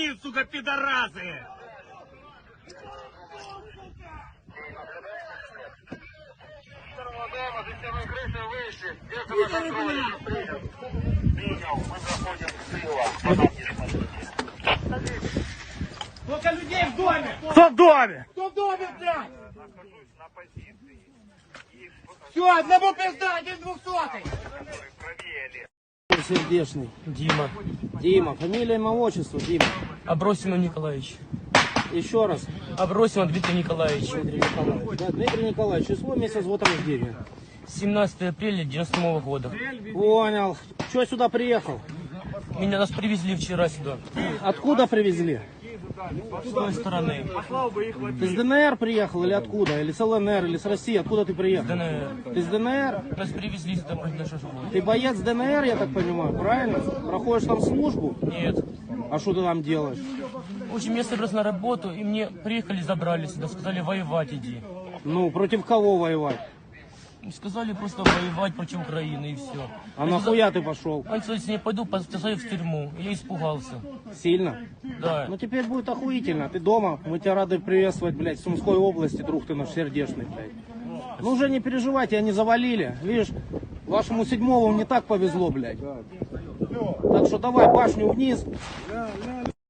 границ, сука, пидорасы! Сколько людей в доме? Кто в доме? Кто в доме, блядь? Все, одному пизда, 1/200. Сердечный. Дима. Дима. Фамилия, имя, отчество, Дима. Абросимов Николаевич. Еще раз. Абросимов Дмитрий Николаевич. Дмитрий Николаевич. Да, Дмитрий Николаевич, число, месяц, год рождения. 17 апреля 97 года. Понял. Че сюда приехал? Нас привезли вчера сюда. Откуда привезли? С той стороны. Ты с ДНР приехал или откуда? Или с ЛНР, или с России? Откуда ты приехал? ДНР. Ты с ДНР? Нас привезли сюда на шашлык. Ты боец ДНР, я так понимаю, правильно? Проходишь там службу? Нет. А что ты там делаешь? В общем, я собрался на работу, и мне приехали, забрали сюда, сказали воевать иди. Ну, против кого воевать? Сказали просто воевать против Украины и все. А нахуя ты пошел? Он сказал, если не пойду, посажу в тюрьму. Я испугался. Сильно? Да. Ну теперь будет охуительно. Ты дома, мы тебя рады приветствовать, блядь, в Сумской области, друг ты наш сердечный, блядь. Ну уже не переживайте, они завалили. Видишь, вашему седьмому не так повезло, блядь. Так что давай башню вниз.